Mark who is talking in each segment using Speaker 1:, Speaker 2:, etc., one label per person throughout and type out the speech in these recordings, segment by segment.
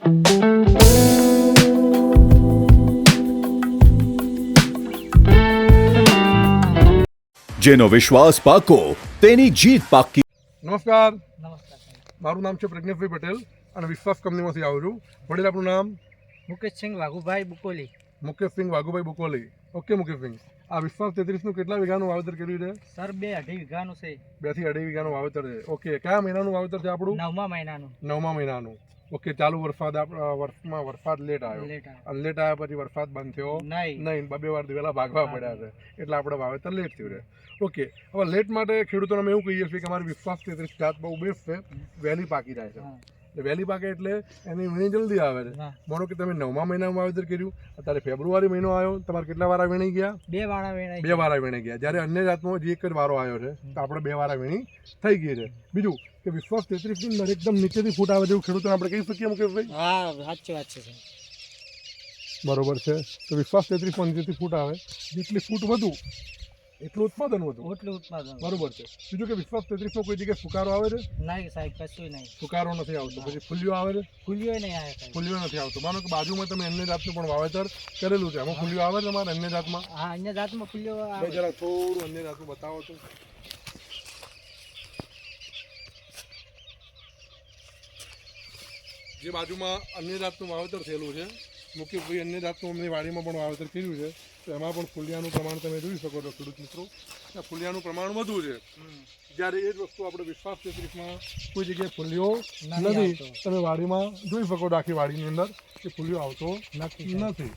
Speaker 1: જેનો વિશ્વાસ પાકો તેની જીત પાકી.
Speaker 2: નમસ્કાર,
Speaker 3: નમસ્કાર સાહેબ.
Speaker 2: મારું નામ છે પ્રજ્ઞેશભાઈ પટેલ અને વિશ્વાસ કંપનીમાંથી આવું છું. વડીલ આપણું નામ?
Speaker 3: મુકેશસિંહ વાઘુભાઈ બુકોલી.
Speaker 2: મુકેશસિંહ વાઘુભાઈ બુકોલી. ઓકે મુકેશસિંહ, આ વિશ્વાસ 33નું કેટલા વીઘાનું વાવેતર કર્યું છે?
Speaker 3: સર 2.5 વીઘાનું છે.
Speaker 2: 2 થી 2.5 વીઘાનું વાવેતર છે. ઓકે, કયા મહિનાનું વાવેતર છે આપણું?
Speaker 3: 9મા મહિનાનું.
Speaker 2: 9મા મહિનાનું. ઓકે, ચાલુ વર્ષમાં વરસાદ લેટ આવ્યો અને લેટ આવ્યા પછી વરસાદ બંધ થયો નહીં, બે વાર દિવેલા ભાગવા પડ્યા છે એટલે આપણે વાવેતર લેટ થયું છે. ઓકે, હવે લેટ માટે ખેડૂતોને અમે એવું કહીએ છીએ કે અમારી વિશ્વાસ 33 જાત બહુ બેસ્ટ છે, વહેલી પાકી જાય છે. વહેલી પાકે એટલે એની વીણી જલ્દી આવે છે. માનો કે તમે 9મા મહિનામાં વાવેતર કર્યું, અત્યારે ફેબ્રુઆરી મહિનો આવ્યો, તમારે કેટલા વારા વીણી ગયા?
Speaker 3: 2 વારા વીણાઈ.
Speaker 2: 2 વારા વીણી ગયા. જ્યારે અન્ય જાતમાં જે એક જ વારો આવ્યો છે તો આપણે 2 વારા વીણી થઈ ગઈ છે. બીજું કે વિશ્વાસ 33 ની અંદર એકદમ નીચેથી ફૂટ આવે જેવું ખેડૂતોને આપણે કહી શકીએ મુકેશભાઈ?
Speaker 3: હા, સાચી વાત છે સાહેબ.
Speaker 2: બરોબર છે. તો વિશ્વાસ 33 માં નીચેથી ફૂટ આવે, જેટલી ફૂટ વધુ એટલું ઉત્પાદન વધુ. બરોબર છે. બીજું કે વિશ્વાસ 33 માં કોઈ જગ્યાએ ફુકારો આવે છે?
Speaker 3: નહીં સાહેબ, કશું નહીં.
Speaker 2: ફુકારો નથી આવતો. પછી ફૂલિયો આવે છે?
Speaker 3: ફૂલિયો નહીં આવે સાહેબ.
Speaker 2: ફૂલિયો નથી આવતો. માનો કે બાજુમાં તમે અન્ય જાતનું પણ વાવેતર કરેલું છે, એમાં ફૂલિયો આવે છે તમારે અન્ય જાતમાં?
Speaker 3: હા, અન્ય જાતમાં ફૂલિયો આવે.
Speaker 2: જરા થોડું અન્ય જાતનું બતાવો તો. જે બાજુમાં અન્ય જાતનું વાવેતર થયેલું છે, મુકેશભાઈ અન્ય જાતનું અમની વાડીમાં પણ વાવેતર કર્યું છે, તો એમાં પણ ફૂલિયાનું પ્રમાણ તમે જોઈ શકો છો ખેડૂત મિત્રો. ફૂલિયાનું પ્રમાણ વધુ છે. જ્યારે એ જ વસ્તુ આપણે વિશ્વાસ 33માં કોઈ જગ્યાએ ફૂલિયો નથી. તમે વાડીમાં જોઈ શકો છો આખી વાડીની અંદર કે ફૂલિયો આવતો નથી.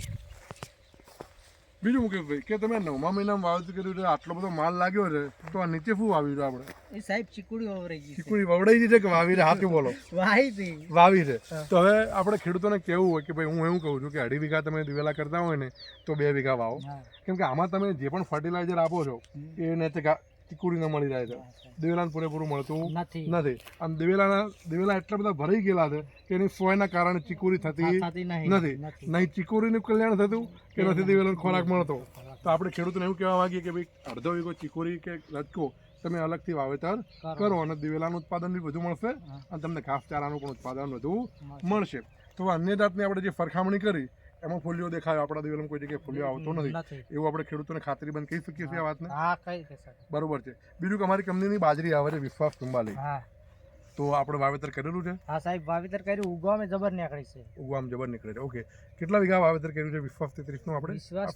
Speaker 2: બીજું મુકેશભાઈ કે તમે 9મા મહિનામાં વાવેતર કર્યું છે, આટલો બધો માલ લાગ્યો છે, તો આ નીચે શું વાવ્યું છે આપણે?
Speaker 3: એ સાહેબ ચીકુડી વવરાઈ ગઈ.
Speaker 2: ચીકુડી વવડાઈ ગઈ છે કે વાવી છે? હાથી બોલો. વાવી છે. તો હવે આપણે ખેડૂતોને કેવું હોય કે ભાઈ, હું એવું કહું છું કે 2.5 વીઘા તમે દિવેલા કરતા હોય ને તો 2 વીઘા વાવો, કેમ કે આમાં તમે જે પણ ફર્ટિલાઇઝર આપો છો એને ચીકુડી ન મળી જાય છે, દિવેલાને પૂરેપૂરું મળતું નથી. આમ દિવેલા એટલા બધા ભરાઈ ગયેલા છે કે એની સોયના કારણે ચીકુરી થતી નથી. નહીં ચીકુરીનું કલ્યાણ થતું કે નથી દિવેલાનો ખોરાક મળતો. તો આપણે ખેડૂતોને એવું કહેવા માંગીએ કે ભાઈ, અડધો વીઘો ચીકુરી કે રચકો તમે અલગથી વાવેતર કરો અને દિવેલાનું ઉત્પાદન બી વધુ મળશે અને તમને ઘાસચારાનું પણ ઉત્પાદન વધુ મળશે. તો અન્ય જાતની આપણે જે સરખામણી કરી એમાં ફૂલિયો દેખાયો, આપણા દિવેલામાં કોઈ જગ્યાએ ફૂલિયો આવતો નથી, એવું આપણે ખેડૂતોને ખાતરીબંધ કહી શકીએ છીએ આ વાતને? બરોબર છે. બીજું કે અમારી કંપનીની બાજરી આવે છે વિશ્વાસ 44, તો આપણે વાવેતર કરેલું છે?
Speaker 3: હા સાહેબ, વાવેતર કર્યું. ઉગવામાં જબર નીકળી છે.
Speaker 2: ઉગવામાં જબર નીકળે છે. ઓકે, કેટલા વીઘા વાવેતર કર્યું છે વિશ્વાસ 33 નું આપણે?
Speaker 3: વિશ્વાસ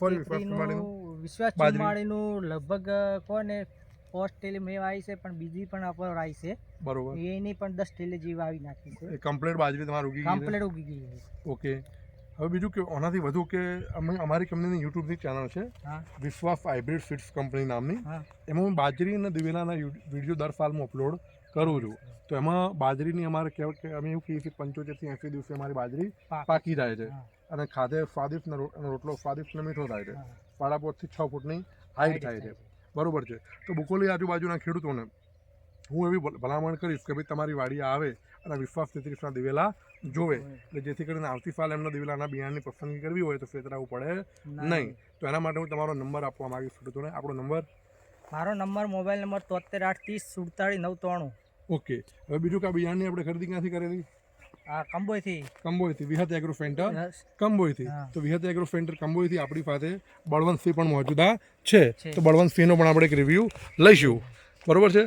Speaker 3: 44 નું લગભગ કોને 5 ટેલી મેં આવી છે, પણ બીજી પણ અપર આવી છે.
Speaker 2: બરોબર.
Speaker 3: એની પણ 10 ટેલી જેવી આવી નાખી છે.
Speaker 2: કમ્પ્લીટ બાજરી તમારી ઉગી ગઈ છે? ઓકે. હવે બીજું કે આનાથી વધુ કે અમારી કંપનીની યુટ્યુબની ચેનલ છે વિશ્વાસ હાઇબ્રિડ સીડ્સ કંપની નામની, એમાં હું બાજરી અને દિવેલાના વિડીયો દર સાલમાં અપલોડ કરું છું. તો એમાં બાજરીની અમારે કહેવાય કે અમે એવું કહીએ કે 75 થી 80 દિવસે અમારી બાજરી પાકી જાય છે અને ખાધે સ્વાદિષ્ટ રોટલો સ્વાદિષ્ટ અને મીઠો થાય છે. 5.5 થી 6 ફૂટની હાઈટ થાય છે. બરોબર છે. તો બુકોલી આજુબાજુના ખેડૂતોને હું એવી ભલામણ કરીશ કે ભાઈ, તમારી વાડી આવે અને વિશ્વાસ 33ના દિવેલા જોવે, એટલે જેથી કરીને આવતી સાલ એમના દિવેલાના બિયારણની પસંદગી કરવી હોય તો ફેતરાવું પડે નહીં. તો એના માટે હું તમારો નંબર આપવા માંગીશ ખેડૂતોને. આપણો નંબર?
Speaker 3: મારો નંબર મોબાઈલ નંબર 73
Speaker 2: ઓકે. હવે બીજું કે આ બિયારણની આપણે ખરીદી ક્યાંથી કરેલી?
Speaker 3: કંબોઈથી
Speaker 2: વિહત એગ્રો સેન્ટર કંબોઈથી. તો વિહત એગ્રો સેન્ટર કંબોઈથી આપણી પાસે બળવંતસિંહ પણ મોજૂદા છે, તો બળવંતસિંહનો પણ આપણે એક રિવ્યૂ લઈશું. બરોબર છે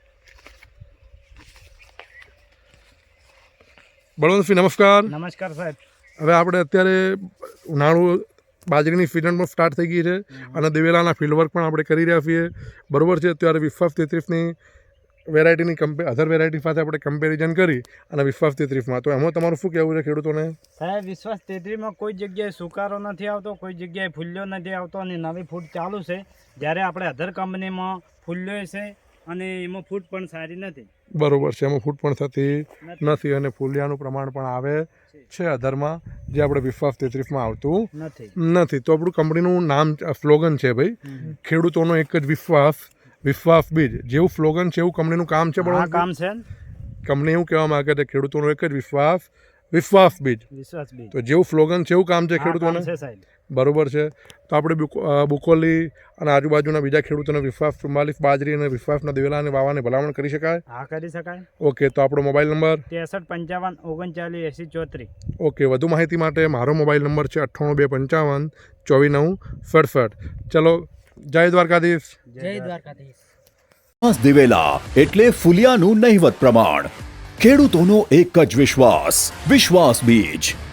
Speaker 2: બળવંતસિંહ? નમસ્કાર સાહેબ. હવે આપણે અત્યારે ઉનાળુ બાજરીની સિઝન પણ સ્ટાર્ટ થઈ ગઈ છે અને દિવેલાના ફિલ્ડ વર્ક પણ આપણે કરી રહ્યા છીએ. બરોબર છે. અત્યારે વિશ્વાસ 33ની વેરાયટીની અધર વેરાયટી સાથે આપણે કમ્પેરિઝન કરી અને વિશ્વાસ 33માં, તો એમાં તમારું શું કહેવું છે ખેડૂતોને?
Speaker 4: સાહેબ, વિશ્વાસ 33માં કોઈ જગ્યાએ સુકારો નથી આવતો, કોઈ જગ્યાએ ફૂલ્યો નથી આવતો અને નવી ફૂટ ચાલુ છે. જ્યારે આપણે અધર કંપનીમાં ફૂલ્યો છે અને એમાં ફૂટ પણ સારી નથી.
Speaker 2: બરોબર છે. એમાં ફૂટ પણ થતી નથી અને ફૂલિયાનું પ્રમાણ પણ આવે છે અધરમાં, જે આપણે વિશ્વાસ 33માં આવતું નથી. તો આપણું કંપનીનું નામ સ્લોગન છે ભાઈ, ખેડૂતોનો એક જ વિશ્વાસ બીજ. જેવું સ્લોગન છે એવું કંપનીનું કામ છે. પણ કામ છે કંપની એવું કહેવા માંગે છે ખેડૂતોનો એક જ વિશ્વાસ બીજ.
Speaker 4: વિશ્વાસ બીજ.
Speaker 2: તો જેવું સ્લોગન છે એવું કામ છે
Speaker 4: આ કામ
Speaker 2: ખેડૂતોને.
Speaker 4: છે સાહેબ.
Speaker 2: બરોબર છે. તો આપણે બુકોલી અને આજુબાજુના બીજા ખેડૂતોને વિશ્વાસ 44 બાજરી અને વિશ્વાસના દિવેલા અને વાવાને ભલામણ કરી શકાય.
Speaker 4: હા કરી શકાય.
Speaker 2: ઓકે, તો આપણો મોબાઈલ નંબર
Speaker 4: 63 55 39 80 34.
Speaker 2: ઓકે, વધુ માહિતી માટે મારો મોબાઈલ નંબર છે 98 255 24 9 67. ચલો, જય દ્વારકાધીશ.
Speaker 3: જય દ્વારકાધીશ.
Speaker 1: વિશ્વાસ દિવેલા એટલે ફુલિયાનું નહિવત પ્રમાણ. ખેડૂતોનો એક જ વિશ્વાસ, વિશ્વાસ બીજ.